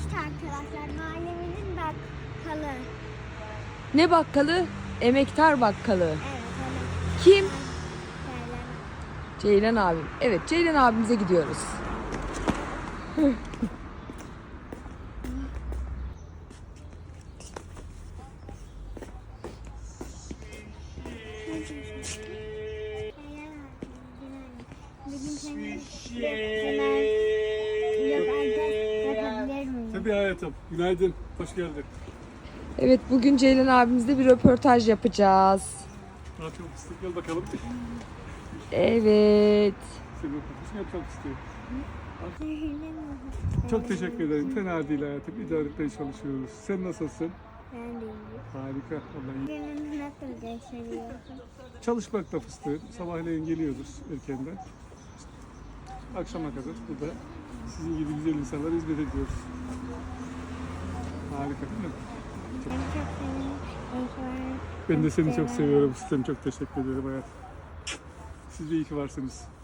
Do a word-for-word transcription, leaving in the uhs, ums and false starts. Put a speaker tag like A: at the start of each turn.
A: arkadaşlar. Mahallemizin bakkalı.
B: Ne bakkalı? Emektar bakkalı.
A: Evet, evet.
B: Kim?
A: Ceylan.
B: Ceylan abim. Evet, Ceylan abimize gidiyoruz.
A: Bugün seni hemen yapabilir miyim?
C: Tabii hayatım. Günaydın. Hoş geldin.
B: Evet, bugün Ceylan abimizle bir röportaj yapacağız.
C: Ne yapalım fıstık? Gel bakalım.
B: Evet.
C: Senin röportajını yapacağım fıstığı. Çok teşekkür ederim. Fena değil hayatım. İdare etmeye çalışıyoruz. Sen nasılsın?
A: Ben de iyiyim.
C: Harika. Vallahi iyi.
A: Gününüz nasıl geçiriyor?
C: Çalışmakla fıstığım. Sabahleyin geliyoruz erkenden. Akşama kadar burada sizin gibi güzel insanlara hizmet ediyoruz. Harika değil mi?
A: Ben çok sevindim. İyi ki varsın.
C: Ben de seni çok seviyorum fıstığım. Çok teşekkür ederim hayatım. Siz de iyi ki varsınız.